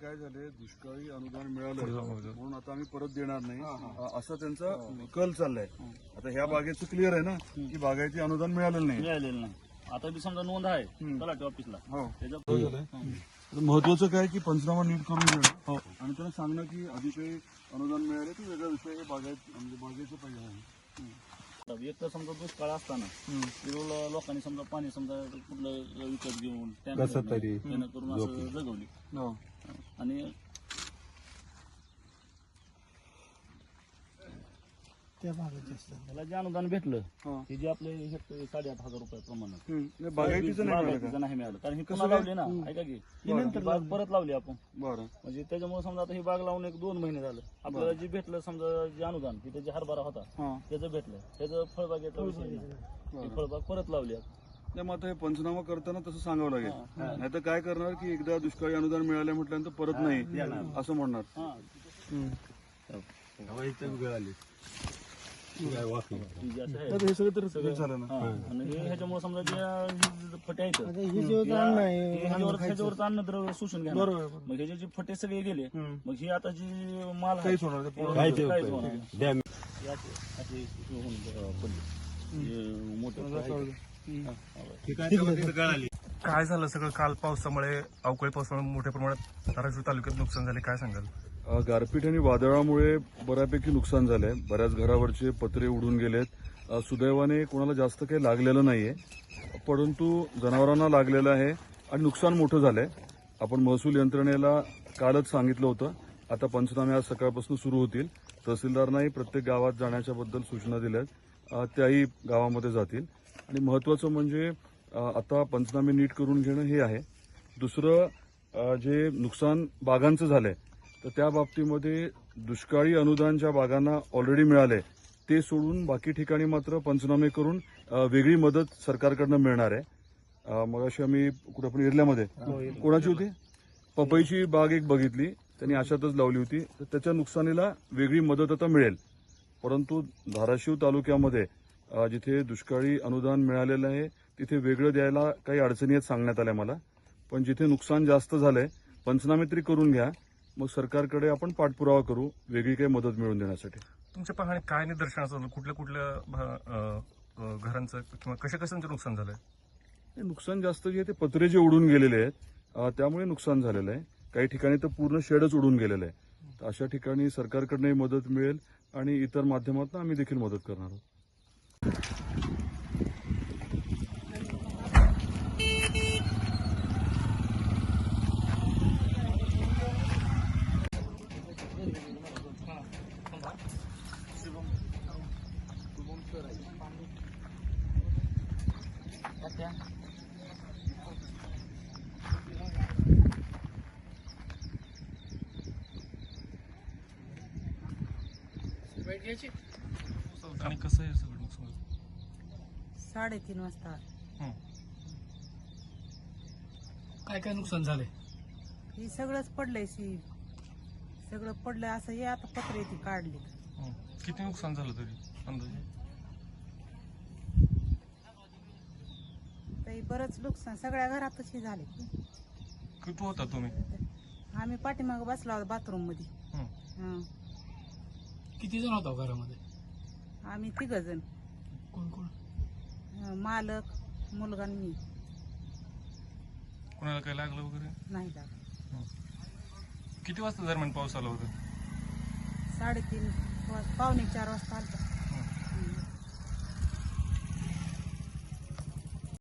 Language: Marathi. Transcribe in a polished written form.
काय झाले, दुष्काळी अनुदान मिळालं म्हणून आता आम्ही परत देणार नाही असा त्यांचा कल चाललाय. आता ह्या बागेचं क्लिअर आहे ना की बागायती अनुदान मिळालेलं नाही. आता बी समजा नोंद आहे तलाठी ऑफिसला. महत्वाचं काय की पंचनामा नीट करून घेणं आणि त्यांना सांगणं की आधी काही अनुदान मिळाले तर वेगळा विषय म्हणजे बागेचं पाहिजे आहे. एक तर समजा दुष्काळ असताना लोकांनी समजा पाणी समजा कुठलं विकत घेऊन त्यानं करून असं जगवली. आणि त्याला जे अनुदान भेटलं ते जे आपले 8,500 रुपयाप्रमाणे बागायतीचं नाही मिळालं. कारण ही पुन्हा लावली ना, ऐका की नंतर बाग परत लावली आपण. बरं, म्हणजे त्याच्यामुळे समजा आता ही बाग लावून 1-2 महिने झालं. आपल्याला जे भेटलं समजा जे अनुदान तिथे जे हरभरा होता त्याचं भेटलं, त्याचं फळबागेचा विषय नाही. फळबाग परत लावली. मग आता हे पंचनामा करताना तसं सांगावं लागेल, नाही तर काय करणार की एकदा दुष्काळी अनुदान मिळालं म्हटल्यानंतर परत नाही असं म्हणणार. हे सगळं तर झालं ना. आणि ह्याच्यामुळे समजा जे फटे आहेत ह्याच्यावरचं अन्नद्रव्य शोषून घेणार. मग ह्याचे जे फटे सगळे गेले, मग ही आता जी माल काहीच होणार काहीच होणार. काय झालं सगळं काल पावसामुळे, अवकाळी पावसामुळे मोठ्या प्रमाणात धाराशिव तालुक्यात नुकसान झाले, काय सांगाल? गारपीट आणि वादळामुळे बऱ्यापैकी नुकसान झालंय. बऱ्याच घरावरचे पत्रे उडून गेलेत. सुदैवाने कोणाला जास्त काही लागलेलं नाहीये, परंतु जनावरांना लागलेलं आहे आणि नुकसान मोठं झालंय. आपण महसूल यंत्रणेला कालच सांगितलं होतं. आता पंचनामे आज सकाळपासून सुरू होतील. तहसीलदारांनाही प्रत्येक गावात जाण्याच्या बद्दल सूचना दिल्यात, त्याही गावामध्ये जातील. आणि महत्वाचं म्हणजे आता पंचनामे नीट करून घेणं हे आहे. दुसरं जे नुकसान बागांचं झालंय तर त्या बाबतीमध्ये दुष्काळी अनुदान ज्या बागांना ऑलरेडी मिळाले ते सोडून बाकी ठिकाणी मात्र पंचनामे करून वेगळी मदत सरकारकडनं मिळणार आहे. मग अशी आम्ही कुठं पण एरियामध्ये कोणाची होती, पपईची बाग एक बघितली, त्यांनी अशातच लावली होती, तर त्याच्या नुकसानीला वेगळी मदत आता मिळेल. परंतु धाराशिव तालुक्यामध्ये जिथे दुष्काळी अनुदान मिळालेलं आहे तिथे वेगळं द्यायला काही अडचणी आहेत सांगण्यात आल्या मला. पण जिथे नुकसान जास्त झालंय पंचनामे तरी करून घ्या, मग सरकारकडे आपण पाठपुरावा करू वेगळी काही मदत मिळवून देण्यासाठी. तुमच्या पाहणी काय निदर्शनास आलं, कुठल्या कुठल्या घरांचं किंवा कशाचं नुकसान झालंय? नुकसान जास्त जे आहे ते पत्रे जे उडून गेलेले आहेत त्यामुळे नुकसान झालेलं आहे. काही ठिकाणी तर पूर्ण शेडच उडून गेलेलं आहे. तर अशा ठिकाणी सरकारकडनंही मदत मिळेल आणि इतर माध्यमातून आम्ही देखील मदत करणार आहोत. आणि कसं आहे सगळं नुकसान? 3:30 वाजता. काय काय नुकसान झालंय? हे सगळंच पडलंय, सगळं पडलंय. असं हे आता पत्रे ती काढली. किती नुकसान झालं तरी अंदाजे? तरी बरंच नुकसान सगळ्या घरातच हे झाले. किती होता तुम्ही? आम्ही पाठीमाग बसलो होतो बाथरूम मध्ये. किती जण होता घरामध्ये? आम्ही 3 जण, कोण कोण? मालक, मुलगा आणि मी. कोणाला काय लागलं वगैरे नाही लागलं. किती वाजता दरम्यान पाऊस आला होता? 3:30 पावणे 4 वाजता आलता.